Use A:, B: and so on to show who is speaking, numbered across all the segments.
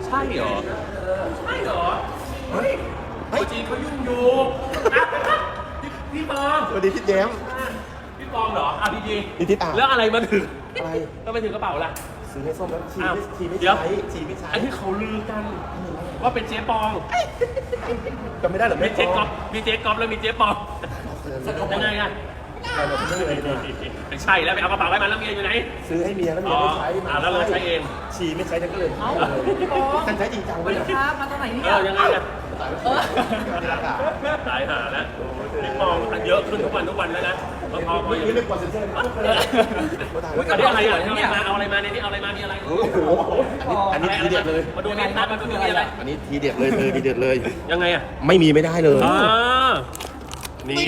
A: ใช่เหรอใช่เหรอเฮ้ยตัวจริงเขายุ่งอยู่พี่ปอง
B: สวัสดีทิศแย้ม
A: พี่ปองเหรออ่ะพี่ดี
B: นี่ทิศอ่ะ
A: แล้วอะไรมาถึง
B: อะไร
A: แล้วไปถึงกระเป๋าล่ะ
B: ซื้อให้ส้มแล้วชี
A: อ้าว
B: ไม่
A: เดี๋ยว
B: ใช้ชีไม่ใช้
A: อันที่เขาลือกันว่าเป็นเจ๊ปอง
B: จำไม่ได้เหรอ
A: มีเจ๊ก๊อฟมีเจ๊ก๊อฟแล้วมีเจ๊ปองยังไงอะ
B: เราไม่ได้เลยนะ
A: ไม่ใช่แล้วไปเอากระเป๋าไว้มันแล้วเมียอยู่ไหน
B: ซื้อให้เมียแล้วเมียไม่ใช้
A: แล้วเราใช้เอง
B: ชีไม่ใช้ฉันก็เลยฉันใช้จริงจังเลยนะ
C: ครับมาตอนไหนเนี่ย
A: ยังไงอะตายหาแล้วพี่ปองเยอะขึ้นทุกวันแล้วนะพอ
B: ไม่เรียกว่าเซนเซอร์นะ
A: อันนี้อะไรอ่ะเอาอะไรมาในนี้เอาอะไรมามีอะไร
B: โอ้โหอันนี้ทีเด็ดเลย
A: มาดูในนัดมาดูมีอะไร
B: อันนี้ทีเด็ดเลยเธอทีเด็ดเลย
A: ยังไงอ่ะ
B: ไม่มีไม่ได้เลย
A: นี่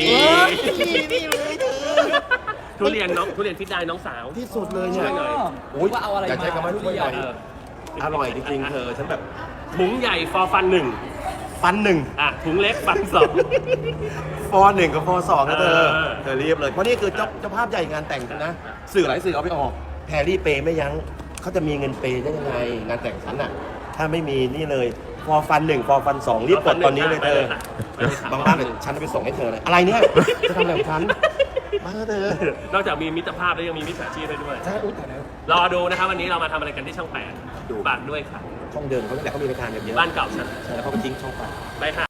A: ทุเรียนพิษได้น้องสาว
B: ที่สุดเลยเนี่ย
C: โอ้ยว่าเอาอะไร
B: อย่า
C: มา
B: ใช้คำว่าทุกอย่างอร่อยจริงๆเธอฉันแบบ
A: ถุงใหญ่ฟอร์ฟันหนึ่ง
B: ฟันหนึ่ง
A: ถุงเล็กฟันสอง
B: ฟอหนึ่งกับฟอสองนะเธอ
A: เออ
B: เธอรีบเลยเพราะนี่คือเจ้าภาพใหญ่งานแต่งฉันนะสื่อหลายสื่อเอาไปออกแพรรี่เปย์ไม่ยั้งเขาจะมีเงินเปย์ได้ยังไงงานแต่งฉันอ่ะถ้าไม่มีนี่เลยฟอฟันหนึ่งฟอฟันสองรีบกดตอนนี้เลยเธอบางบ้านเลยฉันจะไปส่งให้เธอเลยอะไรเนี่ยจะทำอะไรของฉันมาเธอน
A: อกจากมีมิตรภาพแล้วยังมีมิจฉาชีพด้วย
B: ใช่อุ้ยแต่แล้ว
A: รอดูนะครับวันนี้เรามาทำอะไรกันที่ช่อง 8
B: ดู
A: ฝากด้วยค่ะ
B: ช่องเดิมเขาตั้งแต่เขามีรายการแบบเยอะ
A: บ้านเก่าฉัน
B: ใช่แล้วเขาก็ทิ้งช่องไป
A: ไปค่ะ